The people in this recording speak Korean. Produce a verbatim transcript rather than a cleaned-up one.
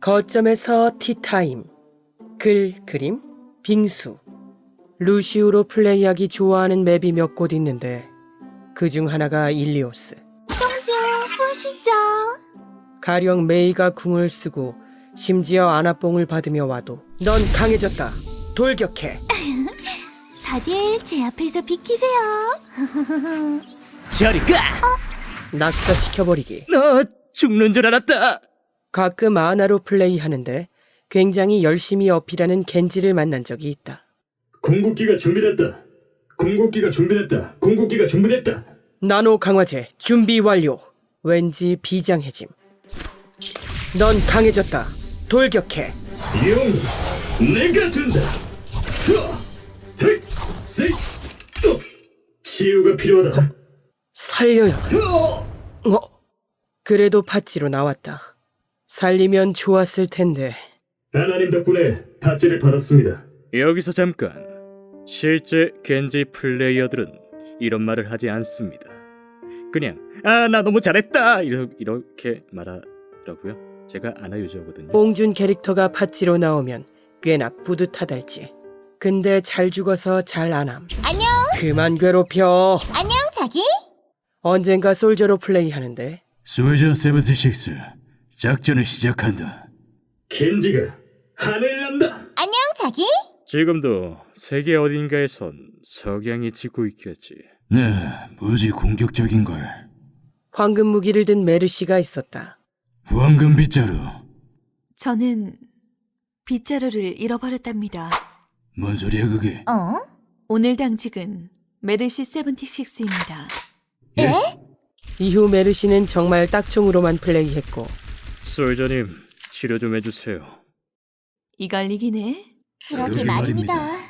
거점에서 티타임. 글, 그림, 빙수. 루시우로 플레이하기 좋아하는 맵이 몇 곳 있는데 그중 하나가 일리오스. 똥주 보시죠. 가령 메이가 궁을 쓰고 심지어 아나뽕을 받으며 와도 넌 강해졌다. 돌격해. 다들 제 앞에서 비키세요. 저리 가! 낙사시켜버리기. 너 죽는 줄 알았다. 가끔 아나로 플레이하는데 굉장히 열심히 어필하는 겐지를 만난 적이 있다. 궁극기가 준비됐다. 궁극기가 준비됐다. 궁극기가 준비됐다. 나노 강화제 준비 완료. 왠지 비장해짐. 넌 강해졌다. 돌격해. 영, 내가 된다. 자, 헤이, 세이, 또 치유가 필요하다. 살려요. 어! 어? 그래도 팥지로 나왔다. 살리면 좋았을 텐데. 하나님 덕분에 팥지를 받았습니다. 여기서 잠깐. 실제 겐지 플레이어들은 이런 말을 하지 않습니다. 그냥 아 나 너무 잘했다 이러, 이렇게 말하더라고요. 제가 아나 유저거든요. 뽕준 캐릭터가 팥지로 나오면 꽤나 뿌듯하달지. 근데 잘 죽어서 잘 안함. 안녕. 그만 괴롭혀. 안녕 자기. 언젠가 솔저로 플레이하는데 솔저 칠십육 작전을 시작한다. 켄지가 하늘 난다. 안녕 자기. 지금도 세계 어딘가에선 석양이 지고 있겠지. 네, 무지 공격적인걸. 황금 무기를 든 메르시가 있었다. 황금 빗자루. 저는 빗자루를 잃어버렸답니다. 뭔 소리야 그게? 어? 오늘 당직은 메르시 칠십육입니다. 에? 이후 메르시는 정말 딱총으로만 플레이했고 솔저님 치료 좀 해주세요. 이걸 이기네. 그러게 그러게 말입니다. 말입니다.